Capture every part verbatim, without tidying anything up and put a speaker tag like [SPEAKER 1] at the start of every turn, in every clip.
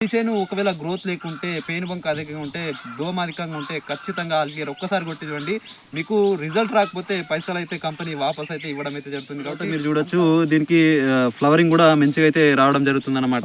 [SPEAKER 1] ఈ చేను ఒకవేళ గ్రోత్ లేకుంటే పెయిన్ బంక్ అధికంగా ఉంటే దోమ అధికంగా ఉంటే ఖచ్చితంగా ఆల్క్లియర్ ఒక్కసారి కొట్టి చూడండి. మీకు రిజల్ట్ రాకపోతే పైసలు అయితే కంపెనీ వాపస్ అయితే ఇవ్వడం అయితే జరుగుతుంది. కాబట్టి మీరు చూడొచ్చు దీనికి ఫ్లవరింగ్ కూడా మంచిగా అయితే రావడం జరుగుతుంది అనమాట.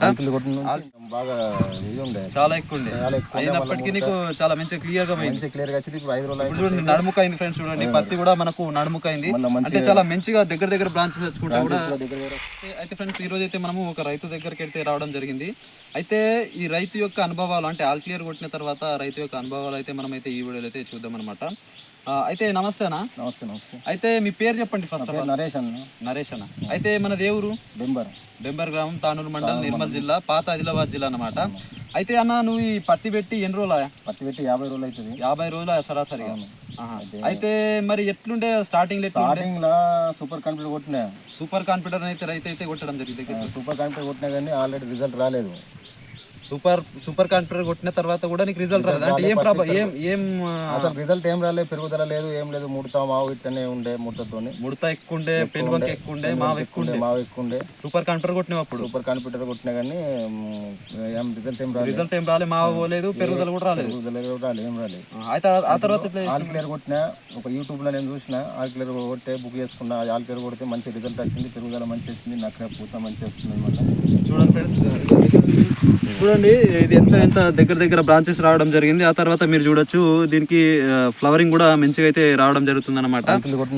[SPEAKER 1] చాలా ఎక్కువ ఉండే అయినప్పటికీ నీకు చాలా మంచిగా క్లియర్ గా
[SPEAKER 2] క్లియర్ గా
[SPEAKER 1] ఇప్పుడు చూడండి నడుముక అయింది ఫ్రెండ్స్. చూడండి పత్తి కూడా మనకు నడుముక అయింది అంటే చాలా మంచిగా దగ్గర దగ్గర బ్రాంచెస్ తెచ్చుకుంటా కూడా. అయితే ఫ్రెండ్స్ ఈ రోజు అయితే మనము ఒక రైతు దగ్గరికి అయితే రావడం జరిగింది. అయితే ఈ రైతు యొక్క అనుభవాలు అంటే ఆల్ క్లియర్ కొట్టిన తర్వాత రైతు యొక్క అనుభవాలు అయితే మనం అయితే ఈ వీడియోలో అయితే చూద్దాం అనమాట. అయితే నమస్తే అన్న.
[SPEAKER 2] నమస్తే నమస్తే.
[SPEAKER 1] అయితే మీ పేరు చెప్పండి ఫస్ట్.
[SPEAKER 2] నరేష్ అన్న.
[SPEAKER 1] నరేష్ అన్న. అయితే మన దేవురు
[SPEAKER 2] బెంబర్
[SPEAKER 1] బెంబర్ గ్రామం, తానూరు మండలం, నిర్మల్ జిల్లా, పాత ఆదిలాబాద్ జిల్లా అన్నమాట. అయితే అన్న నువ్వు ఈ పత్తి పెట్టి ఎన్ని రోజులు?
[SPEAKER 2] పత్తి పెట్టి యాభై రోజులు అవుతుంది.
[SPEAKER 1] యాభై రోజులు సరాసరిగా. అయితే మరి ఎట్లుండే స్టార్టింగ్
[SPEAKER 2] స్టార్టింగ్ లా సూపర్ కంప్యూటర్ కొట్టినా.
[SPEAKER 1] సూపర్ కాన్ఫిడెంట్ అయితే రైతు అయితే కొట్టడం జరిగింది.
[SPEAKER 2] సూపర్ కంప్యూటర్ కొట్టినా కానీ ఆల్రెడీ రిజల్ట్ రాలేదు.
[SPEAKER 1] సూపర్ సూపర్ కాన్ఫిడెంట్ కొట్టిన తర్వాత కూడా నీకు రిజల్ట్ రాలేదు అంటే ఏం ప్రాబ్లం? ఏం ఏం
[SPEAKER 2] అసలు రిజల్ట్ ఏం రాలేదు, పెరుగుదల లేదు, ఏం లేదు. ముడత మావు ఇట్లనే ఉండే, ముడతతో
[SPEAKER 1] ముడత ఎక్కువ ఉండే, పెన్ బంక్ ఎక్కువ ఉండే, మావు ఎక్కువ ఉండే.
[SPEAKER 2] మావు ఎక్కువ ఉండే.
[SPEAKER 1] సూపర్ కాన్ఫిడెంట్ కొట్టినా అప్పుడు
[SPEAKER 2] సూపర్ కాన్ఫిడెంట్ కొట్టినా కానీ ఏం రిజల్ట్ ఏం రాలేదు.
[SPEAKER 1] రిజల్ట్ ఏం రాలేదు, మావు పోలేదు, పెరుగుదల కూడా రాలేదు.
[SPEAKER 2] పెరుగుదల కూడా ఏం రాలేదు.
[SPEAKER 1] అయితే ఆ తర్వాత
[SPEAKER 2] ఆల్ క్లియర్ కొట్టినా ఒక యూట్యూబ్ లో నేను చూసిన. ఆల్ క్లియర్ కొట్టే బుక్ చేసుకున్నా. ఆల్ క్లియర్ కొడితే మంచి రిజల్ట్ వచ్చింది, పెరుగుదల మంచి వచ్చింది, నక్క పూత మంచి వస్తుంది. మళ్ళీ
[SPEAKER 1] చూడండి ఫ్రెండ్స్, చూడండి ఇది ఎంత ఎంత దగ్గర దగ్గర బ్రాంచెస్ రావడం జరిగింది. ఆ తర్వాత మీరు చూడొచ్చు దీనికి ఫ్లవరింగ్ కూడా మంచిగా అయితే రావడం జరుగుతుంది అనమాట.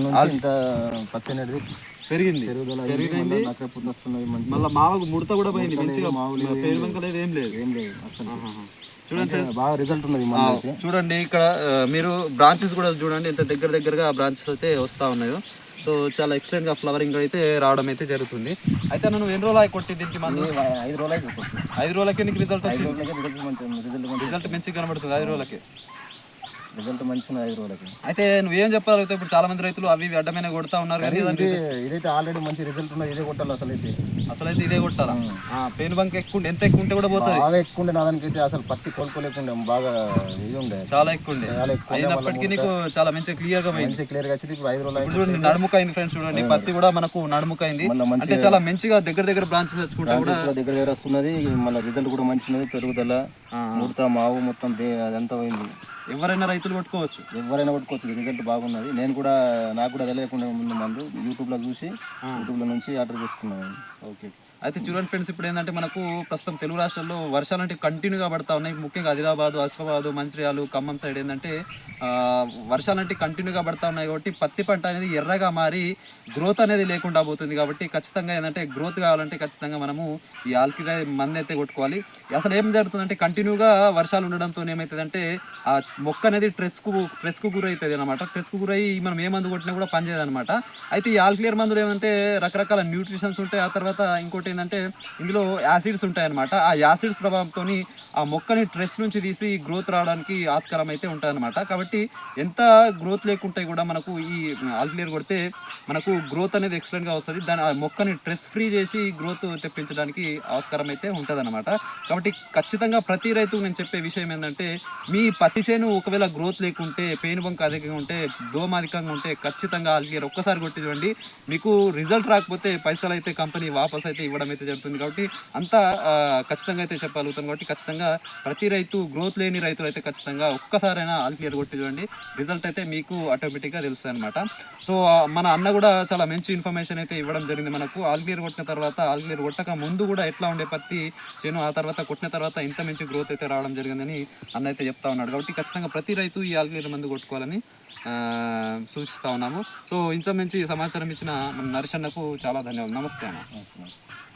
[SPEAKER 2] పత్తి అనేది
[SPEAKER 1] పెరిగింది పెరిగింది మళ్ళీ మావకు ముడత కూడా పోయింది మంచిగా. పేరు బంక లేదు, ఏం లేదు
[SPEAKER 2] ఏం లేదు అసలు.
[SPEAKER 1] చూడండి ఫ్రెండ్స్
[SPEAKER 2] బాగా రిజల్ట్ ఉన్నది.
[SPEAKER 1] చూడండి ఇక్కడ మీరు బ్రాంచెస్ కూడా చూడండి ఎంత దగ్గర దగ్గరగా బ్రాంచెస్ అయితే వస్తూ ఉన్నాయో. సో చాలా ఎక్సలెంట్ గా ఫ్లవరింగ్ అయితే రావడం అయితే జరుగుతుంది. అయితే నువ్వు ఎన్ని రోజులు కొట్టి దీనికి? మంది
[SPEAKER 2] ఐదు రోజులకి
[SPEAKER 1] ఐదు రోజులకి నీకు రిజల్ట్ వచ్చింది. రిజల్ట్ మంచిగా కనబడుతుంది ఐదు రోజులకి.
[SPEAKER 2] రిజల్ట్ మంచిగా ఐదు రోజులకి.
[SPEAKER 1] అయితే నువ్వేం చెప్పాలి? ఇప్పుడు చాలా మంది రైతులు అవి అడ్డమైన కొడతా ఉన్నారు.
[SPEAKER 2] ఇదైతే ఆల్రెడీ మంచి రిజల్ట్ ఉన్నది. ఇదే కొట్టాలి అసలు. అయితే
[SPEAKER 1] అసలు అయితే ఇదే కొట్టాలా? పెయిన్ బంక్ ఎక్కువ ఎంత ఎక్కువ ఉంటే కూడా పోతుంది.
[SPEAKER 2] బాగా ఎక్కువ ఉండే. నా దానికైతే అసలు పత్తి కోలుకోలేకుండే, బాగా ఇది ఉండే,
[SPEAKER 1] చాలా ఎక్కువ ఉండే. అయినప్పటికీ నీకు చాలా మంచిగా క్లియర్ గా
[SPEAKER 2] మంచి క్లియర్ గా వచ్చింది. ఇప్పుడు ఐదు రోజులు
[SPEAKER 1] చూడండి నడుముక అయింది ఫ్రెండ్స్. చూడండి పత్తి కూడా మనకు నడుముక అయింది అంటే చాలా మంచిగా దగ్గర దగ్గర బ్రాంచెస్ తెచ్చుకుంటా కూడా
[SPEAKER 2] దగ్గర దగ్గర వస్తున్నది. మళ్ళీ రిజల్ట్ కూడా మంచి ఉన్నది. పెరుగుదల, ముడత, మావు మొత్తం అదంతా పోయింది.
[SPEAKER 1] ఎవరైనా రైతులు కొట్టుకోవచ్చు,
[SPEAKER 2] ఎవరైనా కొట్టుకోవచ్చు. రిజల్ట్ బాగున్నది. నేను కూడా నాకు కూడా తెలియకుండా ముందు మందు యూట్యూబ్ లో చూసి యూట్యూబ్ లో నుంచి ఆర్డర్ చేసుకున్నాను.
[SPEAKER 1] ఓకే. అయితే చూడండి ఫ్రెండ్స్, ఇప్పుడు ఏంటంటే మనకు ప్రస్తుతం తెలుగు రాష్ట్రాల్లో వర్షాలు అంటే కంటిన్యూగా పడతా ఉన్నాయి. ముఖ్యంగా ఆదిలాబాద్, ఆసిఫాబాద్, మంచిర్యాల, ఖమ్మం సైడ్ ఏంటంటే వర్షాలు అంటే కంటిన్యూగా పడతా ఉన్నాయి. కాబట్టి పత్తి పంట అనేది ఎర్రగా మారి గ్రోత్ అనేది లేకుండా పోతుంది. కాబట్టి ఖచ్చితంగా ఏంటంటే గ్రోత్ కావాలంటే ఖచ్చితంగా మనము ఈ ఆల్కిలై మందు అయితే కొట్టుకోవాలి. అసలు ఏం జరుగుతుందంటే కంటిన్యూగా వర్షాలు ఉండడంతో ఏమవుతుందంటే ఆ మొక్క అనేది స్ట్రెస్కు స్ట్రెస్కు గురవుతుంది అనమాట. స్ట్రెస్కు గురయ్యి మనం ఏ మందు కొట్టినా కూడా పనిచేయదు అనమాట. అయితే ఈ ఆల్క్లియర్ మందులు ఏమంటే రకరకాల న్యూట్రిషన్స్ ఉంటాయి. ఆ తర్వాత ఇంకోటి ఏంటంటే ఇందులో యాసిడ్స్ ఉంటాయన్నమాట. ఆ యాసిడ్స్ ప్రభావంతో ఆ మొక్కని స్ట్రెస్ నుంచి తీసి గ్రోత్ రావడానికి ఆస్కారం అయితే ఉంటుందన్నమాట. కాబట్టి ఎంత గ్రోత్ లేకుంటే కూడా మనకు ఈ ఆల్క్లియర్ కొడితే మనకు గ్రోత్ అనేది ఎక్సలెంట్గా వస్తుంది. దాని ఆ మొక్కని స్ట్రెస్ ఫ్రీ చేసి గ్రోత్ తెప్పించడానికి ఆస్కారం అయితే ఉంటుంది అనమాట. కాబట్టి ఖచ్చితంగా ప్రతి రైతుకు నేను చెప్పే విషయం ఏంటంటే మీ పత్తి చేను ఒకవేళ గ్రోత్ లేకుంటే పెయిన్ బంక్ అధికంగా ఉంటే దోమ అధికంగా ఉంటే ఖచ్చితంగా ఆల్క్లియర్ ఒక్కసారి కొట్టి చూడండి. మీకు రిజల్ట్ రాకపోతే పైసలు అయితే కంపెనీ వాపస్ అయితే ఇవ్వడం అయితే జరుగుతుంది. కాబట్టి అంతా ఖచ్చితంగా అయితే చెప్పగలుగుతాను. కాబట్టి ఖచ్చితంగా ప్రతి రైతు గ్రోత్ లేని రైతులు అయితే ఖచ్చితంగా ఒక్కసారైనా ఆల్క్లియర్ కొట్టి చూడండి. రిజల్ట్ అయితే మీకు ఆటోమేటిక్గా తెలుస్తుంది అనమాట. సో మన అన్న కూడా చాలా మంచి ఇన్ఫర్మేషన్ అయితే ఇవ్వడం జరిగింది మనకు. ఆల్క్లియర్ కొట్టిన తర్వాత ఆల్క్లియర్ కొట్టక ముందు కూడా ఎట్లా ఉండే పత్తి చేను, ఆ తర్వాత కొట్టిన తర్వాత ఇంత మంచి గ్రోత్ అయితే రావడం జరిగిందని అన్న అయితే చెప్తా ఉన్నాడు. కాబట్టి ఖచ్చితంగా ప్రతి రైతు ఈ ఆల్క్లియర్ మందు కొట్టుకోవాలని సూచిస్తూ ఉన్నాము. సో ఇంత మంచి సమాచారం ఇచ్చిన మన నరేష్ అన్నకు చాలా ధన్యవాదాలు. నమస్తే అన్న.